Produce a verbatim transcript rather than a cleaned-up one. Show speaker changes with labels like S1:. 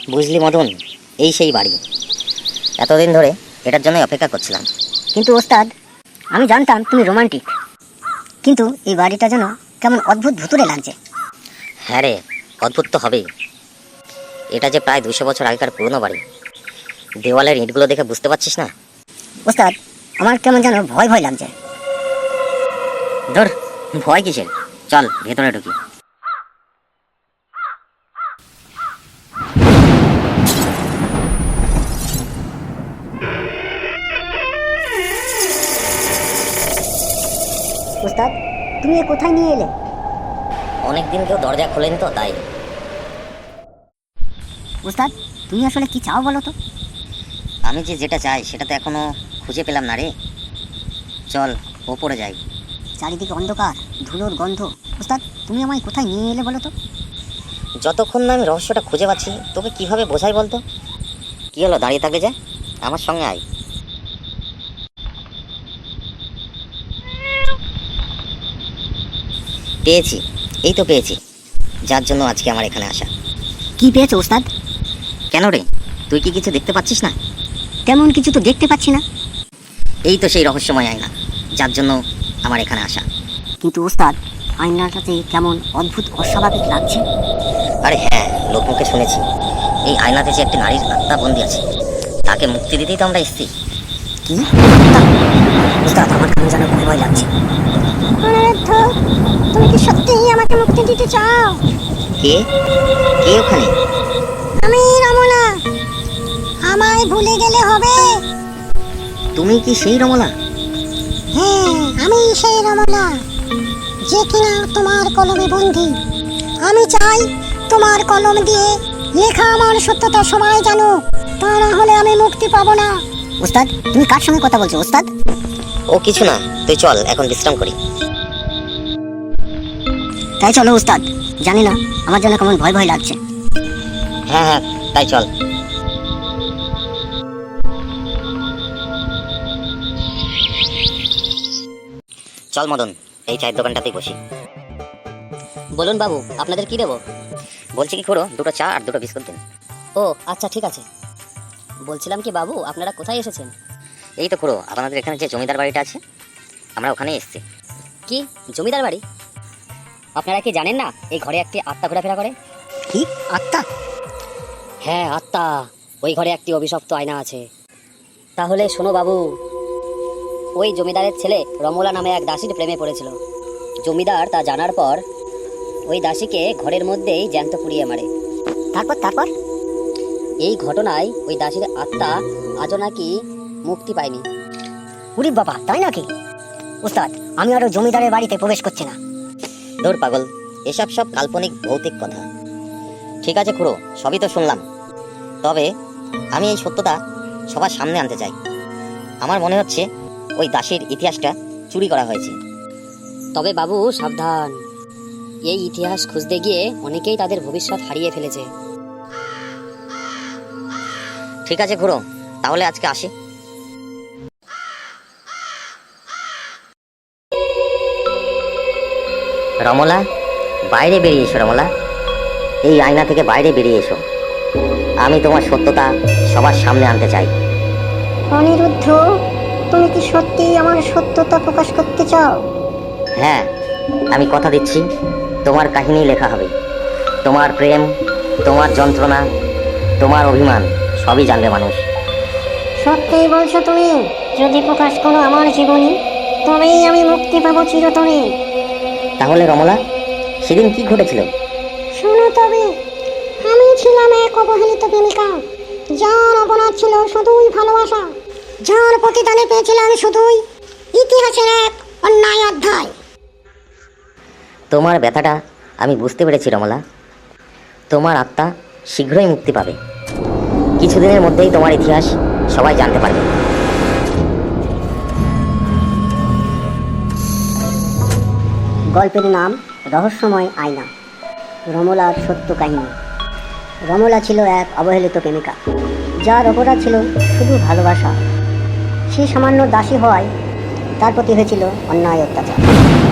S1: বুঝলি মদন, এই সেই বাড়ি। এতদিন ধরে এটার জন্যই অপেক্ষা করছিলাম।
S2: কিন্তু ওস্তাদ, আমি জানতাম তুমি রোমান্টিক, কিন্তু এই বাড়িটা যেন কেমন অদ্ভুত ভুতুড়ে লাগছে।
S1: হ্যাঁ রে, অদ্ভুত তো হবেই। এটা যে প্রায় দুশো বছর আগেকার পুরনো বাড়ি। দেওয়ালের ইঁটগুলো দেখে বুঝতে পারছিস না?
S2: ওস্তাদ, আমার কেমন যেন ভয় ভয় লাগছে।
S1: ধর, ভয় কিসের, চল ভেতরে ঢুকি।
S2: ওস্তাদ, তুমি এ কোথায় নিয়ে এলে?
S1: অনেকদিন কেউ দরজা খোলেনি তো, তাই।
S2: ওস্তাদ, তুমি আসলে কি চাও বলো তো?
S1: আমি যে যেটা চাই সেটা তো এখনো খুঁজে পেলাম না রে। চল ওপরে যাই।
S2: চারিদিকে অন্ধকার, ধুলোর গন্ধ। ওস্তাদ, তুমি আমায় কোথায় নিয়ে এলে বলো তো?
S1: যতক্ষণ না আমি রহস্যটা খুঁজে পাচ্ছি তোকে কিভাবে বোঝাই বলতো? কি হলো, দাঁড়িয়ে থাকলে যে? আমার সঙ্গে আয়। পেয়েছি, এই তো পেয়েছি, যার জন্য আজকে আমার এখানে আসা।
S2: কি পেয়েছো ওস্তাদ?
S1: কেন রে, তুই কি কিছু দেখতে পাচ্ছিস না?
S2: তেমন কিছু তো দেখতে পাচ্ছি না।
S1: এই তো সেই রহস্যময় আয়না, যার জন্য আমার এখানে আসা।
S2: কিন্তু ওস্তাদ, আয়নাটাতে কেমন অদ্ভুত অস্বাভাবিক লাগছে।
S1: আরে হ্যাঁ, লোকমুখে শুনেছি এই আয়নাতে যে একটি নারীর আত্মা বন্দী আছে, তাকে মুক্তি দিতেই তো আমরা এসেছি।
S2: কি ওস্তাদ, আমার কেমন যেন ভয় ভয় লাগছে। তুমি কি সত্যিই আমাকে মুক্তি দিতে চাও?
S1: কে কে ওখানে?
S2: আমি রমলা। আমায় ভুলে গেলে হবে?
S1: তুমি কি সেই রমলা?
S2: হ্যাঁ, আমি সেই রমলা, যে কিনা তোমার কলমে বন্দী। আমি চাই তোমার কলম দিয়ে লেখা আমার সত্যতা সবাই জানো, তা না হলে আমি মুক্তি পাবো না। ওস্তাদ, তুমি কার সঙ্গে কথা বলছো ওস্তাদ?
S1: ও কিছু না, তুই চল এখন বিশ্রাম করি।
S2: তাই চলো ওস্তাদ, জানি না আমার যেন কেমন ভয় ভয় লাগছে।
S1: হ্যাঁ হ্যাঁ, তাই চল। চল মদন, এই চায়ের দোকানটাতেই বসি।
S2: বলুন বাবু, আপনাদের কি দেবো?
S1: বলছি কি খুড়ো, দুটো চা আর দুটো বিস্কুট দিন।
S2: ও আচ্ছা, ঠিক আছে। বলছিলাম কি বাবু, আপনারা কোথায় এসেছেন?
S1: এই তো খুড়ো, আপনাদের এখানে যে জমিদার বাড়িটা আছে, আমরা ওখানেই এসেছি।
S2: কি জমিদার বাড়ি? আপনারা কি জানেন না এই ঘরে একটি আত্মা ঘোরাফেরা করে? কি আত্মা? হ্যাঁ আত্মা, ওই ঘরে একটি অভিশপ্ত আয়না আছে। তাহলে শোনো বাবু, ওই জমিদারের ছেলে রমলা নামে এক দাসীর প্রেমে পড়েছিল। জমিদার তা জানার পর ওই দাসীকে ঘরের মধ্যেই জ্যান্ত পুড়িয়ে মারে। তারপর তারপর এই ঘটনায় ওই দাসীর আত্মা আজও নাকি মুক্তি পায়নি। উরি বাবা, তাই নাকি? ওস্তাদ, আমি আরো জমিদারের বাড়িতে প্রবেশ করছি না।
S1: দূর পাগল, এসব সব কাল্পনিক ভৌতিক কথা। ঠিক আছে খুড়ো, সবই তো শুনলাম, তবে আমি এই সত্যটা সবার সামনে আনতে চাই। আমার মনে হচ্ছে ওই দাসীর ইতিহাসটা চুরি করা হয়েছে।
S2: তবে বাবু সাবধান, এই ইতিহাস খুঁজতে গিয়ে অনেকেই তাদের ভবিষ্যৎ হারিয়ে ফেলেছে।
S1: ঠিক আছে খুড়ো, তাহলে আজকে আসি। রমলা, বাইরে বেরিয়ে এসো রমলা, এই আয়না থেকে বাইরে বেরিয়ে এসো। আমি তোমার সত্যতা সবার সামনে আনতে চাই।
S2: অনিরুদ্ধ, তুমি কি সত্যি আমার সত্যতা প্রকাশ করতে চাও?
S1: হ্যাঁ, আমি কথা দিচ্ছি, তোমার কাহিনী লেখা হবে। তোমার প্রেম, তোমার যন্ত্রণা, তোমার অভিমান সবই জানবে মানুষ।
S2: সত্যি বলছো তুমি? যদি প্রকাশ করো আমার জীবনী, তবেই আমি মুক্তি পাবো চিরতরে।
S1: তাহলে রমলা, সেদিন কি ঘটেছিল?
S2: শোনো তবে, আমি ছিলাম এক অবহেলিত প্রেমিকা, যার অপরাধ ছিল শুধুই ভালোবাসা, যার প্রতিদানে পেয়েছিলাম শুধুই ইতিহাসের এক অন্যায় অধ্যায়।
S1: তোমার ব্যথাটা আমি বুঝতে পেরেছি রমলা। তোমার আত্মা শীঘ্রই মুক্তি পাবে। কিছুদিনের মধ্যেই তোমার ইতিহাস সবাই জানতে পারবে।
S2: গল্পের নাম রহস্যময় আয়না, রমলার সত্য কাহিনী। রমলা ছিল এক অবহেলিত প্রেমিকা, যার অপরাধ ছিল শুধু ভালোবাসা। সে সামান্য দাসী হওয়ায় তার প্রতি হয়েছিল অন্যায় অত্যাচার।